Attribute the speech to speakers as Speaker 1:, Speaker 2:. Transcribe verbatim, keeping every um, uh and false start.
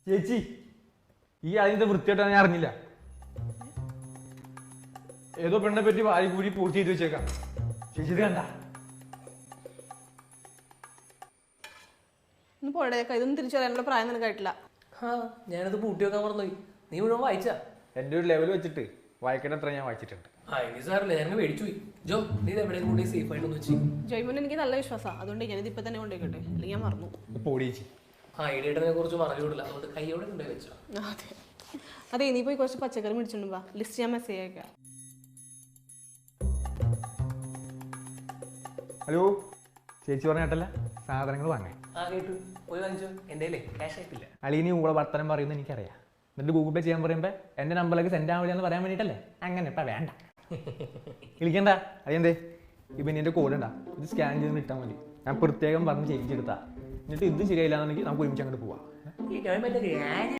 Speaker 1: ചേച്ചി ഈ അതിന്റെ വൃത്തിയായിട്ടാണ് ഞാൻ അറിഞ്ഞില്ല. ഏതോ പെണ്ണെ പറ്റി വാരി കൂടി പൂർത്തി ചെയ്ത് വെച്ചേക്കാം. ചേച്ചി ഇത് കണ്ട
Speaker 2: പോടേക്ക ഇതൊന്നും തിരിച്ചു വരാനുള്ള പ്രായം നിനക്കായിട്ടില്ല.
Speaker 3: ആ ഞാനത് പൂട്ടി വെക്കാൻ മറന്നുപോയി. നീ മുഴുവൻ വായിച്ചാ?
Speaker 1: എന്റെ ഒരു ലെവൽ വെച്ചിട്ട് വായിക്കേണ്ട അത്ര ഞാൻ വായിച്ചിട്ടുണ്ട്.
Speaker 3: ആ ഇനി സാറില്ല, ഞാൻ മേടിച്ചു പോയി. ജോ നീ ഇത് എവിടെയും കൂടി സേഫ് ആയിട്ടൊന്ന് വെച്ച്.
Speaker 2: ജോയ്മോൻ എനിക്ക് നല്ല വിശ്വാസമാണ്, അതുകൊണ്ട് ഞാനിത് ഇപ്പൊ തന്നെ കൊണ്ടുപോയിക്കട്ടെ, അല്ലെങ്കിൽ ഞാൻ മറന്നു.
Speaker 1: പോടി ചേച്ചി.
Speaker 3: ആ ഐഡിയനെ കുറിച്ച് പറഞ്ഞു വിടില്ല, അതുകൊണ്ട് കൈയോടെ കൊണ്ടുപോയി വെച്ചോ.
Speaker 2: അതെ അതെ, നീ പോയി കുറച്ച് പച്ചക്കറി മേടിച്ചോണ്ട് വാ, ലിസ്റ്റ് ഞാൻ മെസ്സേജ് അയക്കാം.
Speaker 1: ഹലോ ചേച്ചി പറഞ്ഞ കേട്ടല്ല, സാധനങ്ങൾ വാങ്ങാൻ.
Speaker 3: ആ കേട്ടു, പോയി വാങ്ങിച്ചോ. എൻ്റെ ക്യാഷ് ആയിട്ടില്ല.
Speaker 1: അളീനി കൂടെ വർത്തനം പറയുന്നത് എനിക്കറിയാം. എന്നിട്ട് ഗൂഗിൾ പേ ചെയ്യാൻ പറയുമ്പോൾ എൻ്റെ നമ്പറിലേക്ക് സെൻഡ് ആവില്ല എന്ന് പറയാൻ വേണ്ടിയിട്ടല്ലേ? അങ്ങനെ ഇപ്പം വേണ്ട, വിളിക്കണ്ട. അതെന്തേ ഇപ്പം എൻ്റെ കോഡ് ഉണ്ടാ, ഇത് സ്കാൻ ചെയ്ത് ഇട്ടാൽ മതി. ഞാൻ പ്രത്യേകം പറഞ്ഞ് ചേച്ചി എടുത്താ. എന്നിട്ട് ഇത് ശരിയായില്ല എന്നുണ്ടെങ്കിൽ നമുക്ക് ഒരുമിച്ച് അങ്ങോട്ട് പോവാം.